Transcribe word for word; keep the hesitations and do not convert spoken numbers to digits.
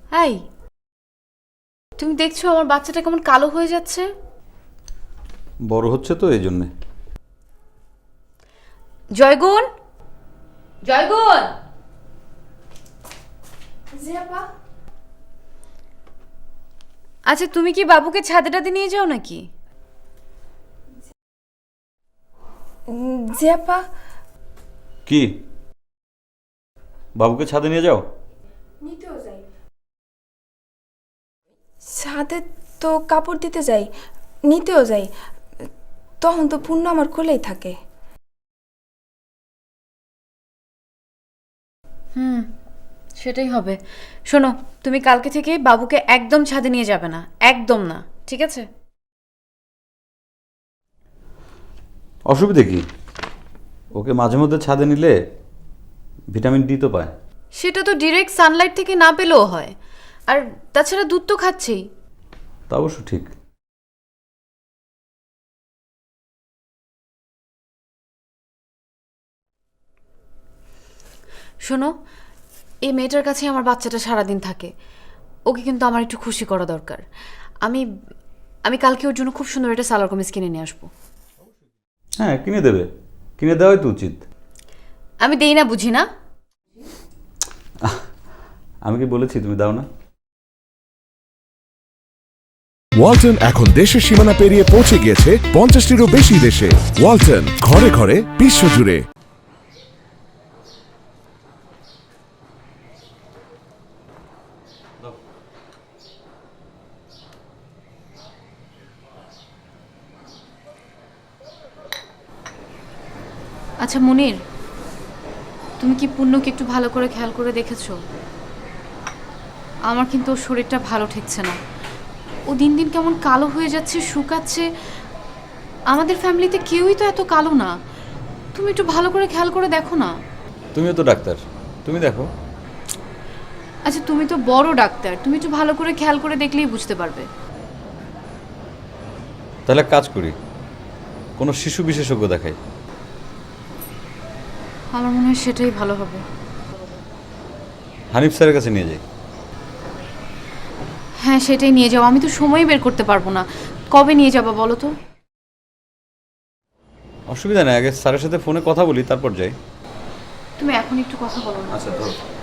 এই, তুমি দেখছো আমার বাচ্চাটা কেমন কালো হয়ে যাচ্ছে? বড় হচ্ছে তো এই জন্যে। জয়গুণ, জয়গুণ। জি আপা। আচ্ছা, তুমি কি বাবুকে ছাদে টাদে নিয়ে যাও নাকি? জি আপা। কি বাবুকে ছাদে নিয়ে যাও? নিতেও যাই, ছাদে তো কাপড় দিতে যাই, নিতেও যাই, তখন তো পূর্ণ আমার কোলেই থাকে। হুম, সেটাই হবে। শোনো, তুমি কালকে থেকে বাবুকে একদম ছাদে নিয়ে যাবে না, একদম না, ঠিক আছে? অসুবিধে কি? ওকে মাঝে মধ্যে ছাদে নিলে ভিটামিন ডি তো পায়। সেটা তো ডিরেক্ট সানলাইট থেকে না পেলেও হয়। আর তাছাড়া দুধ তো খাচ্ছেই। তা অবশ্য ঠিক। শোনো, এই মেয়েটার কাছে আমার বাচ্চাটা সারাদিন থাকে। ওকে কিন্তু আমার একটু খুশি করা দরকার। আমি আমি কালকে ওর জন্য খুব সুন্দর একটা সালোয়ার কামিজ কিনে নিয়ে আসবো। হ্যাঁ, কিনে দেবে। কিনে দেওয়াই তো উচিত। আমি দেই না বুঝি না? আমি কি বলেছি তুমি দাও না? ওয়ালটন এখন দেশের সীমানা পেরিয়ে পৌঁছে গিয়েছে পঞ্চাশটিরও বেশি দেশে। ওয়ালটন, ঘরে ঘরে বিশ্বজুড়ে। আচ্ছা মুনির, তুমি কি পূর্ণকে একটু ভালো করে খেয়াল করে দেখেছো? আমার কিন্তু ওর শরীরটা ভালো ঠেকছে না। ও দিন দিন কেমন কালো হয়ে যাচ্ছে, শুকাচ্ছে। আমাদের ফ্যামিলিতে কেউই তো এত কালো না। তুমি একটু ভালো করে খেয়াল করে দেখো না। তুমিও তো ডাক্তার, তুমি দেখো। আচ্ছা, তুমি তো বড় ডাক্তার, তুমি একটু ভালো করে খেয়াল করে দেখলেই বুঝতে পারবে। তাহলে কাজ করি, কোনো শিশু বিশেষজ্ঞ দেখাই। আমার মনে হয় সেটাই ভালো হবে। হানিফ স্যারের কাছে নিয়ে যাই। হ্যাঁ, সেটাই নিয়ে যাও। আমি তো সময় বের করতে পারবো না। কবে নিয়ে যাবা বলো তো? অসুবিধা নেই, আগে স্যারের সাথে ফোনে কথা বলি তারপর যাই। তুমি এখন একটু কথা বলো না। আচ্ছা ধরো।